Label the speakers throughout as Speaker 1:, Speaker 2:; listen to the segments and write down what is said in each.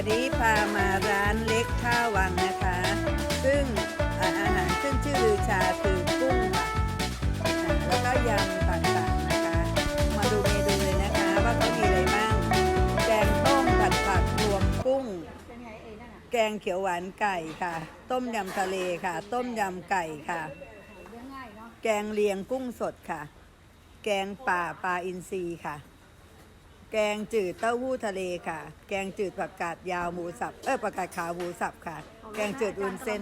Speaker 1: วันนี้พามาร้านเล็กท่าวังนะคะ ซึ่งอาหารขึ้นชื่อลือชาคือกุ้งค่ะแล้วก็ยำต่างๆนะคะ มาดูเมนูเลยนะคะว่าเขามีอะไรบ้าง แกงต้มผัดผักรวมกุ้ง แกงเขียวหวานไก่ค่ะ ต้มยำทะเลค่ะ ต้มยำไก่ค่ะ แกงเลียงกุ้งสดค่ะ แกงป่าปลาอินทรีค่ะ แกงจืดเต้าหู้ทะเลค่ะ แกงจืดผักกาดยาวหมูสับผักกาดขาวหมูสับค่ะ แกงจืดวุ้นเส้น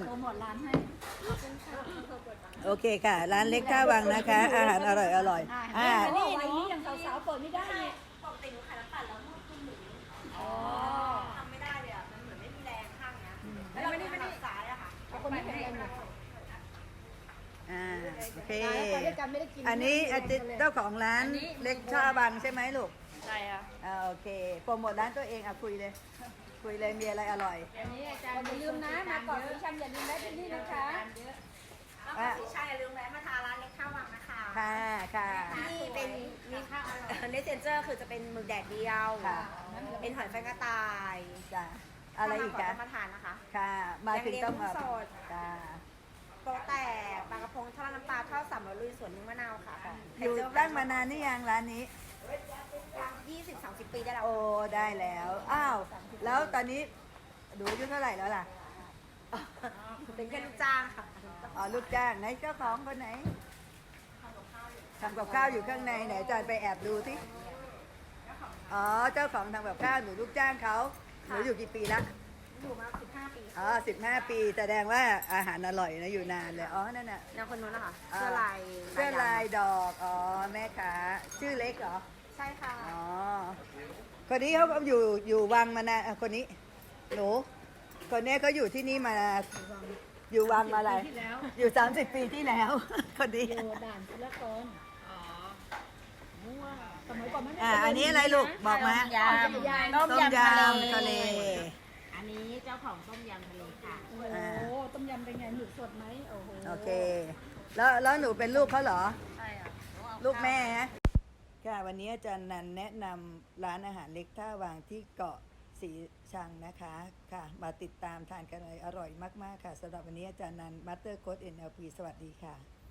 Speaker 1: โอเคค่ะ ร้านเล็กท่าวังนะคะ อาหารอร่อยนี่
Speaker 2: นี่อย่างสาวๆเปิดไม่ได้
Speaker 3: ปกติหนูขายน้ำปั่นแล้วนวดคุณหนูทำไม่ได้เลยอ่ะมันเหมือนไม่มีแรงข้างเนี้ยแล้วเราไม่ได้สายอะค่ะ
Speaker 2: คนไม่แข็งแรง
Speaker 1: โอเคอันนี้เจ้าของร้านเล็กท่าวังใช่ไหมลูก
Speaker 3: ใช่ค่ะ
Speaker 1: โอเคโปรโมทร้านตัวเองคุยเลยมีอะไรอร่อย
Speaker 2: อันนี้อาจารย์อย่าลืมนะมาก่อนสีชังอย่าลืมได้ที่นี่นะคะ
Speaker 3: แล้วก็สีชังอย่าลืมแวะมาทานร้านเล็กข้าววังนะคะ
Speaker 1: ค่ะ
Speaker 3: ที่เป็นมีข้าวเนสเซนเจอร์คือจะเป็นหมึกแดดเดียวเป็นหอยแฟงกระต่าย
Speaker 1: จ้ะอะไรอีกคะ
Speaker 3: มาทานนะคะ
Speaker 1: ค่ะมาถึงต้องมา
Speaker 3: สด
Speaker 1: จ้ะ
Speaker 3: โปแตกปลากระพงทอดน้ำปลาทอด300ลุยสวนนึ่งมะนาวค่ะ
Speaker 1: อยู่ตั้งมานานนี่ยังร้านนี้
Speaker 3: 20-30 ปีได้แล้ว
Speaker 1: โอ้ได้แล้วแล้วตอนนี้ดูอายุเท่าไหร่แล้วล่ะ
Speaker 3: เป็นแค่ลูกจ้างค่ะ
Speaker 1: ลูกจ้างไหนเจ้าของคนไหนทำกับข้าวอยู่ข้างในไหนจอยไปแอบดูสิเจ้าของทำกับข้าวหนูลูกจ้างเขาหนูอยู่กี่ปีละ
Speaker 3: อยู่มา15 ปี
Speaker 1: 15 ปีแสดงว่าอาหารอร่อยนะอยู่นานเลยนั่นน่ะ
Speaker 3: แล้วคนนู้นนะคะเสื้อ
Speaker 1: ลายดอกแม่ค้าชื่อเล็กเหรอ
Speaker 3: ใช่ค่ะ
Speaker 1: คนนี้เขาอยู่วังมานานคนนี้หนูคนนี้เขาอยู่ที่นี่มาอยู่วังมาอะไรอยู่30 ปีที่แล้วคนนี้
Speaker 2: ด่านทุลกรสมัยก่อนไม่
Speaker 1: อันนี้อะไรลูกบอกมา
Speaker 3: ต้มยำ
Speaker 1: ทะเล
Speaker 3: อันนี้เจ้าของต้มยำทะเลค่ะ
Speaker 2: ต้มยำเป็นไงหมึกสดไหม
Speaker 1: โอเคแล้วหนูเป็นลูกเขาเหรอ
Speaker 3: ใช่ค่ะ
Speaker 1: ลูกแม่ค่ะวันนี้อาจารย์นันแนะนำร้านอาหารเล็กท่าวังที่เกาะสีชังนะคะค่ะมาติดตามทานกันเลยอร่อยมากๆค่ะสำหรับวันนี้อาจารย์นันมัตเตอร์โค้ด NLP สวัสดีค่ะ